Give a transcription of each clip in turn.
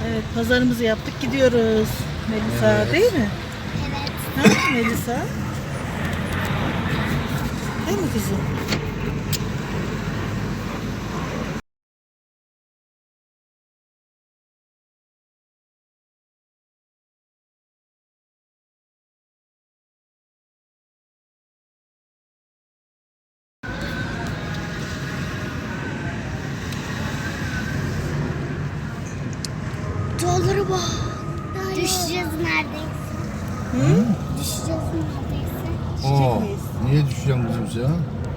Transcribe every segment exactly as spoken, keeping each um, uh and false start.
Evet, pazarımızı yaptık, gidiyoruz. Melisa, Evet. değil mi? Evet. Ha, Melisa? Değil mi kızım? Dolara bak. Düşeceğiz neredeyse. Hı? Düşeceğiz neredeyse. Aa, miyiz? niye düşeceksin kızım sen?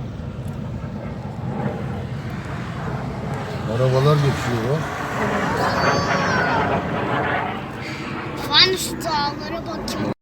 Arabalar geçiyor bak. Ben şu dağlara bakayım.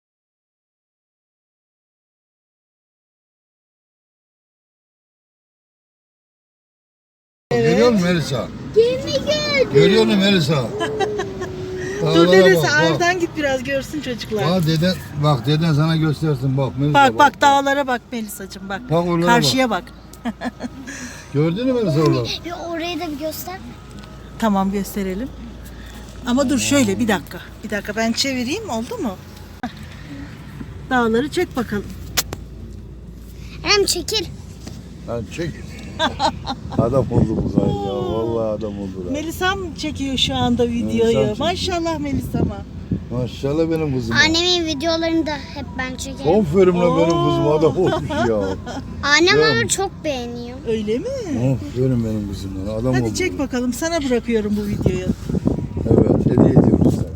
Görüyor musun Melisa? Gemi gördüm. Görüyor musun Melisa? Dur Dağlara dedesi, bak, bak. aradan git biraz görsün çocuklar. Bak deden, bak deden sana göstersin bak Melisa. Bak bak dağlara bak Melisacığım bak. Bak oralara Karşıya bak. Gördün mü Melisa oraları? Bir orayı da bir göster. Tamam, gösterelim. Ama dur şöyle bir dakika. Bir dakika ben çevireyim, oldu mu? Heh. Dağları çek bakalım. Hem çekil. Lan çek. Adam oldu bu gayet ya. Vallahi adam oldu. lan. Melisa'm çekiyor şu anda videoyu. Melisa'm çekiyor. Maşallah Melisa'ma. Maşallah benim kızım. Annemin videolarını da hep ben çekerim. Aferin lan benim Oo. kızım adam olmuş ya. Annem Ya. onu çok beğeniyor. Öyle mi? Aferin benim kızım lan adam oldu. Hadi çek bakalım, sana bırakıyorum bu videoyu. Evet hediye ediyoruz sana.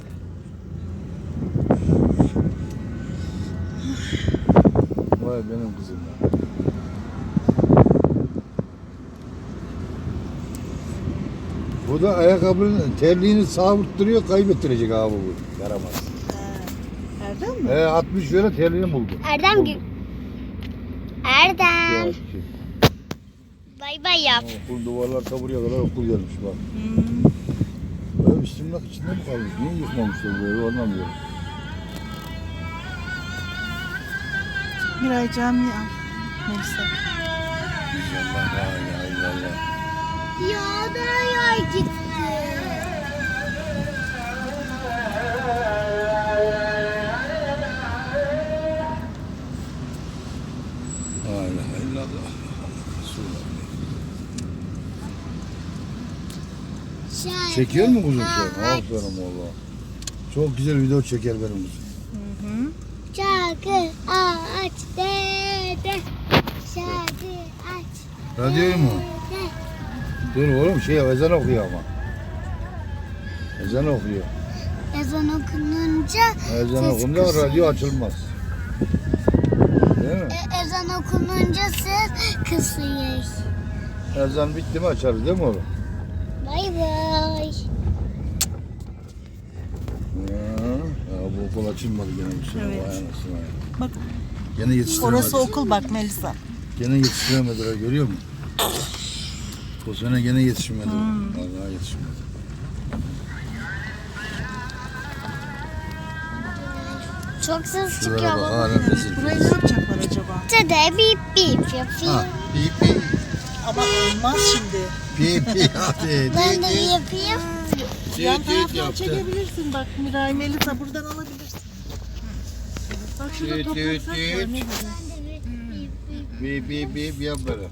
Vay benim kızım ya. Bu da ayakkabının terliğini savurtturuyor, kaybettirecek abi bu. Yaramaz. Ha, Erdem mi? He altmış lira terliğini buldu. Erdem Buldu. gü- Erdem. Ya, Bay bay yap. okul duvarlar ta buraya kadar okul gelmiş bak. Hmm. Böyle üstümlak içinde mi kalmış? Niye yıkmamışlar böyle anlamıyorum. Miray camiye al. Melisa. İnşallah la ilahe illallah. Ya da yay gitti. La ilahe illallah. Resulullah. Şarkı Çekiyor mu kuzum sen? aç. Aferin valla. Çok güzel video çeker benim kuzum. Hı hı. Şarkı aç dede. Şarkı aç. Radyoyu mu? dede. Dur oğlum şey ezan okuyor ama. Ezan okuyor. Ezan okununca Ezan ses okunca kısılıyor. radyo açılmaz. Değil mi? E, ezan okununca ses kısıyor. Ezan bitti mi açarız değil mi oğlum? Bay bay. Ya, ya bu okul açılmadı gene bu sene. Evet. Vay anasını ya. Bak Gene yetiştiremediler. orası okul bak Melisa. Gene yetiştiremediler görüyor musun? Bu sene gene yetişmedi. Hmm. Vallahi yetişmedi. Çok ses çıkıyor Şuraya bak baba. halen rezil. Burayı ne yapacaklar acaba? Dede bip bip yapıyor. Ha, pi pi Ama olmaz şimdi. pi pi hadi. Ben de Di, di. bir yapayım. Yan Düt düt taraftan yaptı. çekebilirsin bak Miray, Melisa buradan alabilirsin. Bak şurada Düt düt toprak var. düt. Ne güzel. Bip bip bip yap böyle.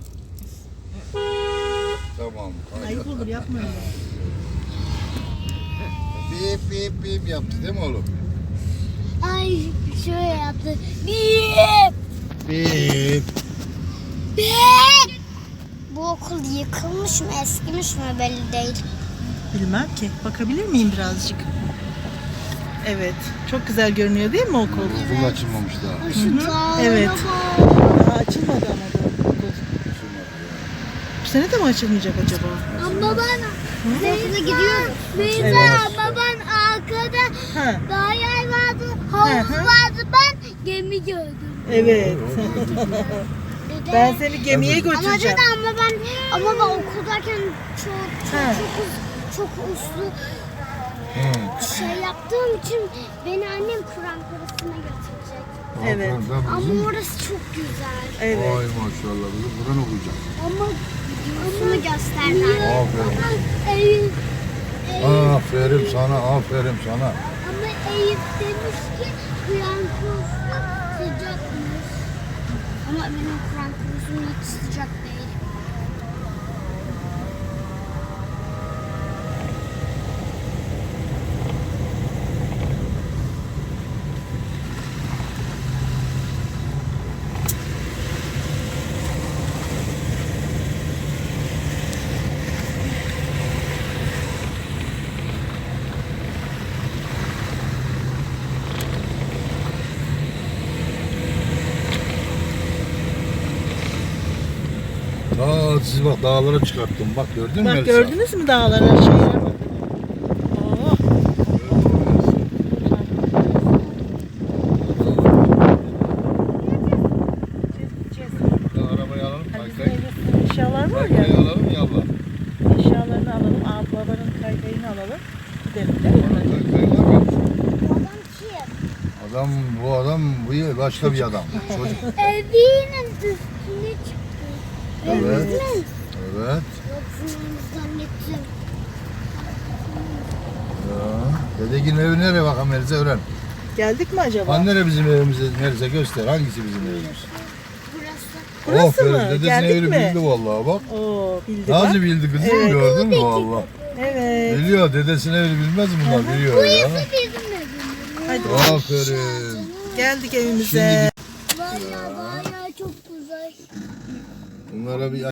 Tamam. Ayıp olur, yapma öyle. Bip bip bip yaptı değil mi oğlum? Ay şöyle yaptı. Bip Bip. bip. Bu okul yıkılmış mı eskimiş mi belli değil. Bilmem ki. Bakabilir miyim birazcık? Evet. Çok güzel görünüyor değil mi okul? Okul açılmamış daha. Ay, Şu dağlara Evet. bak. Daha açılmadı ama da okul. Bu sene de mi açılmayacak acaba? Ama ben okula gidiyorum. Beyza Evet. baban arkada Ha. dağ yer vardı, Hı havuz hı. vardı, ben gemi gördüm. Evet. Dede. Ben seni gemiye Ama götüreceğim. dede ama ben ama ben okuldayken çok Ha. çok çok, uz- çok uslu Hı. şey yaptığım için beni annem Kur'an kursuna götürecek. Evet. Aferin, tabii Ama kızım. orası çok güzel. Evet. Vay maşallah kızım Kur'an okuyacak. Ama videosunu gösterdiler. Aferin. Ama ev, ev, Aferin. Aferin sana, aferin sana. Ama Eyüp demiş ki Kur'an kursu sıcakmış. Ama benim Kur'an kursum hiç sıcak değil. Aa, siz bak dağlara çıkarttım. Bak gördün mü Bak Elsa? gördünüz mü dağları şeyleri? Oo. Ya, arabayı alalım. Hani bizim Kaykay. evde eşyalar var ya. Kaykayı alalım yallah. Eşyalarını alalım. Abi babanın kaykayını alalım. Gidelim değil mi? Kaykay var ya. Adam kim? Adam bu adam bu başka bir adam. Çocuk. Evinin üstüne çıktı. Evet. Evinin. Evet. Yoksa zannettim. Ya. Dedekin evi nereye bakalım Elsa öğren. Geldik mi acaba? Hani nere bizim evimiz Elsa göster. Hangisi bizim evimiz? Burası. Burası Aferin, mı? Dedesinin Geldik evini mi? bildi vallahi bak. Oo bildi bak. Nasıl bildi kızım Evet. gördün mü valla. Evet. Biliyor dedesinin evini bilmez mi bunlar biliyor ya. Bizim evimiz. Hadi Aferin. geldik evimize. Şimdi Valla bayağı çok güzel. bunlara bir